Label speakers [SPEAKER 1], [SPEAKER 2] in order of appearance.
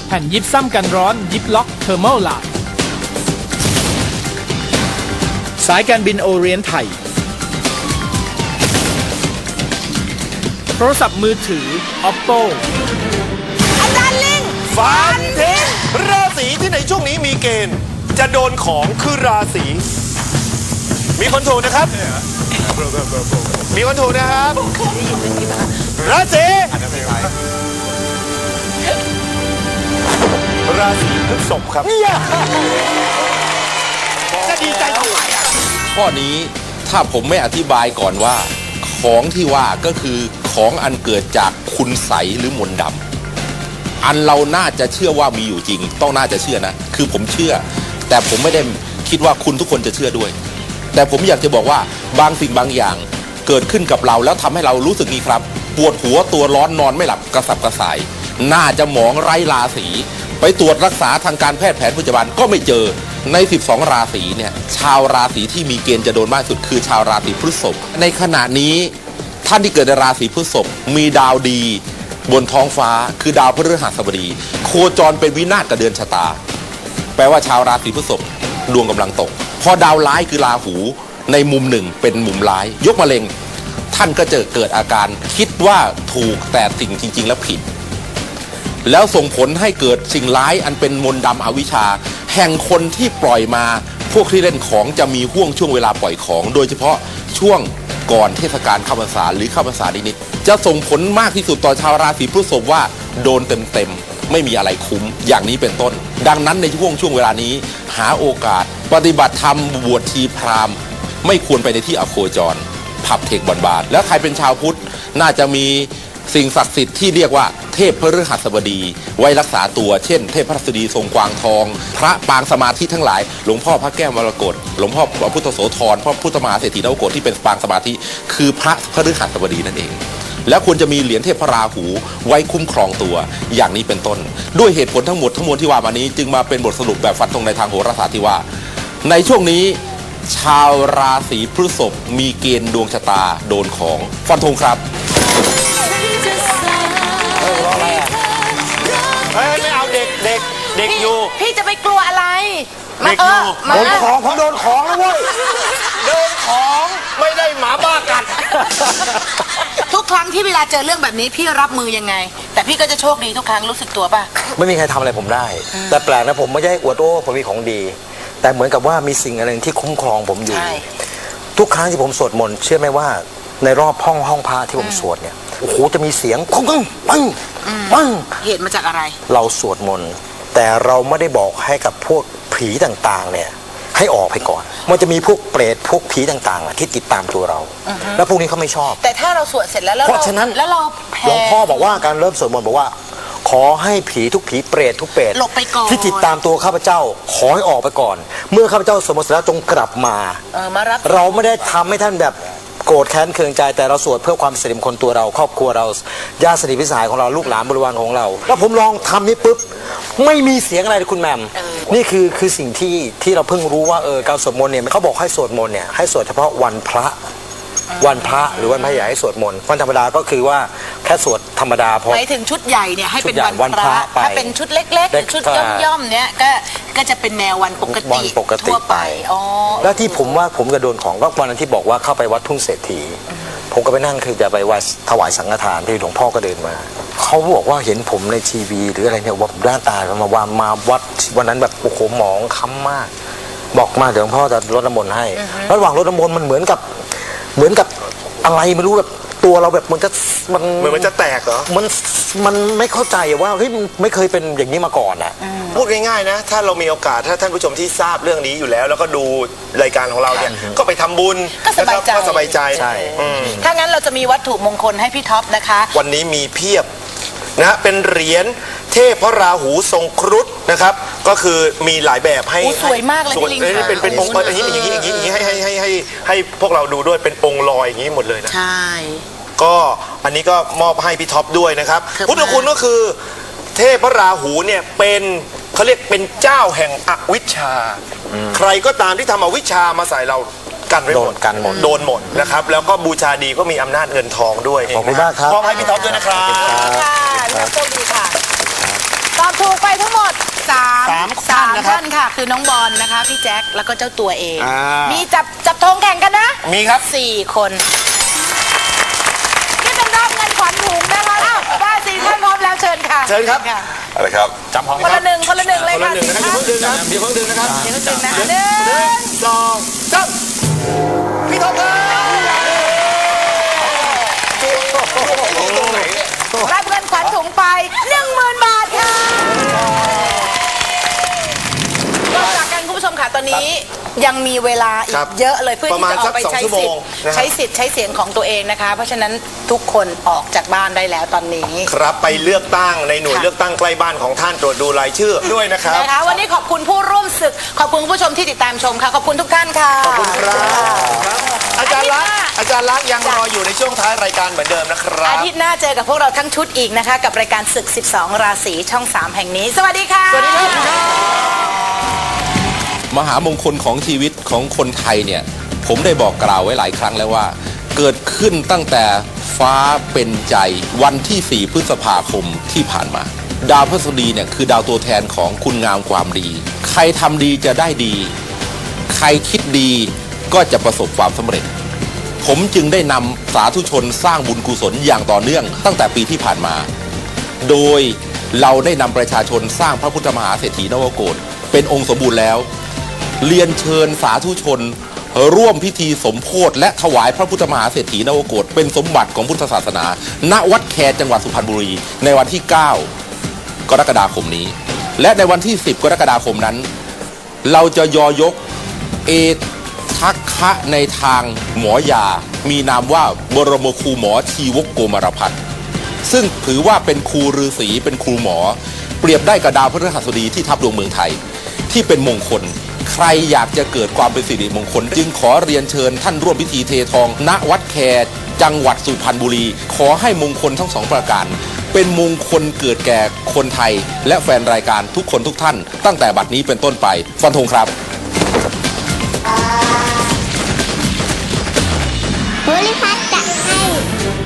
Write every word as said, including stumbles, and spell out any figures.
[SPEAKER 1] แผ่นยิปซัมกันร้อนยิปล็อกเทอร์โมลาดสายการบินโอเรียนไทยโทรศัพท์มือถือ Oppo
[SPEAKER 2] อาจารย์ลิง
[SPEAKER 3] ฟันทิ้งราศีที่ในช่วงนี้มีเกณฑ์จะโดนของคือราศีมีคนถูกนะครับมีคนถูกนะครับราศีราศีพฤษภครับจะดีใจทำไมอ่ะ
[SPEAKER 4] ข้อนี้ถ้าผมไม่อธิบายก่อนว่าของที่ว่าก็คือของอันเกิดจากคุณไสยหรือมนต์ดำอันเราน่าจะเชื่อว่ามีอยู่จริงต้องน่าจะเชื่อนะคือผมเชื่อแต่ผมไม่ได้คิดว่าคุณทุกคนจะเชื่อด้วยแต่ผมอยากจะบอกว่าบางสิ่งบางอย่างเกิดขึ้นกับเราแล้วทำให้เรารู้สึกนี้ครับปวดหัวตัวร้อนนอนไม่หลับกระสับกระส่ายน่าจะหมองไร้ราศีไปตรวจรักษาทางการแพทย์แผนปัจจุบันก็ไม่เจอในสิบสองราศีเนี่ยชาวราศีที่มีเกณฑ์จะโดนมากสุดคือชาวราศีพฤษภในขณะนี้ท่านที่เกิดในราศีพฤษภมีดาวดีบนท้องฟ้าคือดาวพฤหัสบดีโคจรเป็นวินาศกับเดือนชะตาแปลว่าชาวราศีพฤษภดวงกำลังตกพอดาวร้ายคือราหูในมุมหนึ่งเป็นมุมร้ายยกมะเร็งท่านก็จะเกิดอาการคิดว่าถูกแต่สิ่งจริงๆแล้วผิดแล้วส่งผลให้เกิดสิ่งร้ายอันเป็นมนต์ดำอวิชชาแห่งคนที่ปล่อยมาพวกที่เล่นของจะมีห่วงช่วงเวลาปล่อยของโดยเฉพาะช่วงก่อนเทศกาลเข้าพรรษาหรือเข้าพรรษานิดๆจะส่งผลมากที่สุดต่อชาวราศีพฤษภว่าโดนเต็มๆไม่มีอะไรคุ้มอย่างนี้เป็นต้นดังนั้นในช่วงช่วงเวลานี้หาโอกาสปฏิบัติธรรมบวชชีพราหมณ์ไม่ควรไปในที่อโคจรผับเทคบอนบาทแล้วใครเป็นชาวพุทธน่าจะมีสิ่งศักดิ์สิทธิ์ที่เรียกว่าเทพพฤหัสบดีไว้รักษาตัวเช่นเทพพฤหัสบดีทรงกวางทองพระปางสมาธิทั้งหลายหลวงพ่อพระแก้วมรกตหลวงพ่อพระพุทธโสธรพระพุทธมหาเศรษฐีนวโกฏที่เป็นปางสมาธิคือพระพฤหัสบดีนั่นเองแล้วควรจะมีเหรียญเทพพระราหูไว้คุ้มครองตัวอย่างนี้เป็นต้นด้วยเหตุผลทั้งหมดทั้งมวลที่ว่ามานี้จึงมาเป็นบทสรุปแบบฟันธงในทางโหราศาสตร์ที่ว่าในช่วงนี้ชาวราศีพฤษภมีเกณฑ์ดวงชะตาโดนของฟันธงครับ
[SPEAKER 3] เฮ้ยไม่เอาเด็กเด็กเด็กอยู่
[SPEAKER 2] พี่จะไปกลัวอะไร
[SPEAKER 3] เด็กอยู่
[SPEAKER 2] มา
[SPEAKER 3] โด
[SPEAKER 2] เอน อ
[SPEAKER 3] ของผมโดนของแล้วเว้ยโดนของไม่ได้หมาบ้ากัด
[SPEAKER 2] ทุกครั้งที่เวลาเจอเรื่องแบบนี้พี่รับมือยังไง แต่พี่ก็จะโชคดีทุกครั้งรู้สึกตัวป่ะ
[SPEAKER 5] ไม่มีใครทำอะไรผมได้ แต่แปลกนะผมไม่ได้อวดโอ้ผมมีของดี แต่เหมือนกับว่ามีสิ่งอะไรที่คุ้มครองผมอยู่
[SPEAKER 2] ใช่
[SPEAKER 5] ทุกครั้งที่ผมสวดมนต์เชื่อไหมว่าในรอบห้องห้องพระที่ผมสวดเนี่ยโอ้โหจะมีเสียงปังปังปังปัง
[SPEAKER 2] เหตุมาจากอะไร
[SPEAKER 5] เราสวดมนต์แต่เราไม่ได้บอกให้กับพวกผีต่างๆเนี่ยให้ออกไปก่อนมันจะมีพวกเปรตพวกผีต่างๆอะที่ติดตามตัวเรา แล้วพวกนี้เขาไม่ชอบ
[SPEAKER 2] แต่ถ้าเราสวดเสร็จแล้วแล้ว
[SPEAKER 5] เพราะฉะนั้น
[SPEAKER 2] แล้วเราแผ่
[SPEAKER 5] หลวงพ่อบอกว่าการเริ่มสวดมนต์บอกว่า ขอให้ผีทุกผีเปรตทุกเปรต
[SPEAKER 2] หลบไปก่อน
[SPEAKER 5] ที่ติดตามตัวข้าพเจ้าขอให้ออกไปก่อน เมื่อข้าพเจ้าสวดมนต์เสร็จแล้วจงกลับมา
[SPEAKER 2] เออมารับ
[SPEAKER 5] เราไม่ได้ทำให้ท่านแบบโกรธแค้นเคืองใจแต่เราสวดเพื่อความสิริมงคลตัวเราครอบครัวเราญาติสนิทพิสหายของเราลูกหลานบริวารของเราแล้วผมลองทำนี่ปุ๊บไม่มีเสียงอะไรเลยคุณแหม่มนี่คือคือสิ่งที่ที่เราเพิ่งรู้ว่าเออการสวดมนต์เนี่ยเขาบอกให้สวดมนต์เนี่ยให้สวดเฉพาะวันพระวันพระหรือวันพระใหญ่ให้สวดมนต์วันธรรมดาก็คือว่าแค่สวดธรรมดาพอ
[SPEAKER 2] หมายถึงชุดใหญ่เนี่ยให้เป็น
[SPEAKER 5] ชุดใหญ่
[SPEAKER 2] วันพระ
[SPEAKER 5] วันพระไป
[SPEAKER 2] ถ้าเป็นชุดเล็กๆหรือชุด
[SPEAKER 5] เล็ก
[SPEAKER 2] ย่อมๆเนี่ยก็ก็จะเป็นแนววันปก
[SPEAKER 5] วั
[SPEAKER 2] ติ
[SPEAKER 5] นปกติ
[SPEAKER 2] ทั่วไปอ๋อ
[SPEAKER 5] แล้วที่ผมว่าผมจะโดนของก็วันนั้นที่บอกว่าเข้าไปวัดทุ่งเศรษฐีผมก็ไปนั่งคือจะไปวัดถวายสังฆทานที่หลวงพ่อก็เดินมาเขาบอกว่าเห็นผมในทีวีหรืออะไรเนี่ยว่าผมด้านตามาว่ามาวัดวันนั้นแบบโอ้โหหมองค้ำมากบอกมาเดี๋ยวหลวงพ่อจะรดน้ำมนต์ให้ระหว่างรดน้ำมนต์มันเหมือนกับเหมือนกับอะไรไม่รู้แบบตัวเราแบบมันจะมัน
[SPEAKER 3] เหมือนมันจะแตกเหรอ
[SPEAKER 5] มันมันไม่เข้าใจว่าเฮ้ยมันไม่เคยเป็นอย่างนี้มาก่อนอ่ะ
[SPEAKER 3] พูดง่ายๆนะถ้าเรามีโอกาสถ้าท่านผู้ชมที่ทราบเรื่องนี้อยู่แล้ว แล้วก็ดูรายการของเราเนี่ยก็ไปทำบุญ
[SPEAKER 2] ก็สบายใจ
[SPEAKER 3] นะครับก็สบายใจ
[SPEAKER 5] ใช่
[SPEAKER 3] อืม
[SPEAKER 2] ถ้างั้นเราจะมีวัตถุมงคลให้พี่ท็อปนะคะ
[SPEAKER 3] วันนี้มีเพียบนะเป็นเหรียญเทพพระราหูทรงครุฑนะครับก็คือมีหลายแบบให้
[SPEAKER 2] โอ้สวยมากเลย
[SPEAKER 3] สวย
[SPEAKER 2] พี่ลิง
[SPEAKER 3] นี่เป็นเป็นองค์อย่างนี้อย่างนี้อย่างนี้อย่างนี้ให้ให้ให้ให้ให้พวกเราดูด้วยเป็นองค์ลอยอย่างนี้หมดเลยนะ
[SPEAKER 2] ใช่
[SPEAKER 3] ก็อันนี้ก็มอบให้พี่ท็อปด้วยนะครับ
[SPEAKER 2] ครับ
[SPEAKER 3] พุทธคุณก็คือเทพพระราหูเนี่ยเป็นเขาเรียกเป็นเจ้าแห่งอวิชชา ใครก็ตามที่ทำอวิชชามาใส่เรากันไว้หมด
[SPEAKER 5] โดนกันหมด
[SPEAKER 3] โดนหมดนะครับแล้วก็บูชาดีก็มีอำนาจเงินทองด้วย
[SPEAKER 5] ขอบคุณมากครับ
[SPEAKER 3] มอบให้พี่ท็อปด้วยนะครับ
[SPEAKER 2] ค่ะแล้วโชคดีค่ะตอบถูกถูกไปทั้งหมดสาม
[SPEAKER 3] สาม
[SPEAKER 2] สาม
[SPEAKER 3] ท่านนะครับ
[SPEAKER 2] ท่านค่ะ คือน้องบอลนะคะ พี่แจ็คแล้วก็เจ้าตัวเอง
[SPEAKER 3] อ่ามี
[SPEAKER 2] มีจับจับธงแข่งกันนะ
[SPEAKER 3] มีครับ
[SPEAKER 2] สี่คนนี่เป็นรอบเงินขวัญถุงนะคะอ้าวได้สี่ท่านพร้อมแล้วเชิญค่ะ
[SPEAKER 3] เชิญครับ
[SPEAKER 2] ะ
[SPEAKER 4] อะไรครับจำพร้อม
[SPEAKER 2] คนละหนึ่งคนละหนึ่งเลย
[SPEAKER 3] คนละ
[SPEAKER 2] ค่ะ
[SPEAKER 3] หนึ่งนะครับอย่าเพิ่งดึงนะอย่าเพิ่งดึงนะครับ
[SPEAKER 2] เดี๋ยวก็ดึงนะห
[SPEAKER 3] ห
[SPEAKER 2] นึ่
[SPEAKER 3] นึ่ง
[SPEAKER 2] ง
[SPEAKER 3] สองสามพี่ท็อปครับ
[SPEAKER 2] รับเงินขวัญถุงไปหนึ่งหมื่นบาทค่ะก็จากกันคุณผู้ชมค่ะตอนนี้ยังมีเวลาอี
[SPEAKER 3] ครั
[SPEAKER 2] ก
[SPEAKER 3] บ
[SPEAKER 2] เยอะเลยเพื่อ
[SPEAKER 3] ประ
[SPEAKER 2] ที่
[SPEAKER 3] มาณ
[SPEAKER 2] จะออกไป
[SPEAKER 3] สักสอง
[SPEAKER 2] ใช้
[SPEAKER 3] ชั่วโม
[SPEAKER 2] สิท
[SPEAKER 3] ง
[SPEAKER 2] ธิ์
[SPEAKER 3] นะฮะ
[SPEAKER 2] ใช้สิทธิ์ใช้เสียงของตัวเองนะคะ เพราะฉะนั้นทุกคนออกจากบ้านได้แล้วตอนนี้
[SPEAKER 3] ครับไปเลือกตั้งในหน่วย
[SPEAKER 2] ค่ะ
[SPEAKER 3] เลือกตั้งใกล้บ้านของท่านตรวจดูรายชื่อด้วยนะครับ
[SPEAKER 2] นะคะวันนี้ขอบคุณผู้ร่วมศึกขอบคุณคุณผู้ชมที่ติดตามชมค่ะขอบคุณทุกท่านค่ะ
[SPEAKER 3] ขอบคุณครับอาจารย์ลักษณ์อาจารย์ลักษณ์ยัง
[SPEAKER 2] จ้ะ
[SPEAKER 3] รออยู่ในช่วงท้ายรายการเหมือนเดิมนะครับ
[SPEAKER 2] อาทิตย์หน้าเจอกับพวกเราทั้งชุดอีกนะคะ กับรายการศึก สิบสอง ราศีช่อง สาม แห่งนี้ สวัสดีค่ะ
[SPEAKER 3] สวัสดีครับ
[SPEAKER 4] มหามงคลของชีวิตของคนไทยเนี่ยผมได้บอกกล่าวไว้หลายครั้งแล้วว่า เกิดขึ้นตั้งแต่ฟ้าเป็นใจวันที่ สี่ พฤษภาคมที่ผ่านมา ดาวพฤหัสบดีเนี่ยคือดาวตัวแทนของคุณงามความดี ใครทำดีจะได้ดี ใครคิดดีก็จะประสบความสำเร็จ ผมจึงได้นำสาธุชนสร้างบุญกุศลอย่างต่อเนื่องตั้งแต่ปีที่ผ่านมา โดยเราได้นำประชาชนสร้างพระพุทธมหาเศรษฐีนวโกศเป็นองค์สมบูรณ์แล้ว เรียนเชิญสาธุชนร่วมพิธีสมโภชและถวายพระพุทธมหาเศรษฐีนวโกศเป็นสมบัติของพุทธศาสนา ณ วัดแคจังหวัดสุพรรณบุรี ในวันที่ เก้า กรกฎาคมนี้ และในวันที่ สิบ กรกฎาคมนั้น เราจะยอยกเอทักคะในทางหมอยา มีนามว่าบรมครูหมอชีวกโกมารพัฒน์ซึ่งถือว่าเป็นครูฤาษีเป็นครูหมอ เปรียบได้กับดาวพฤหัสบดีที่ทับดวงเมืองไทย ที่เป็นมงคล ใครอยากจะเกิดความเป็นสิริมงคล จึงขอเรียนเชิญท่านร่วมพิธีเททอง ณ วัดแคจังหวัดสุพรรณบุรี ขอให้มงคลทั้งสองประการ เป็นมงคลเกิดแก่คนไทย และแฟนรายการทุกคนทุกท่าน ตั้งแต่บัดนี้เป็นต้นไปฟันธงครับ
[SPEAKER 6] โพลิพัทจะให้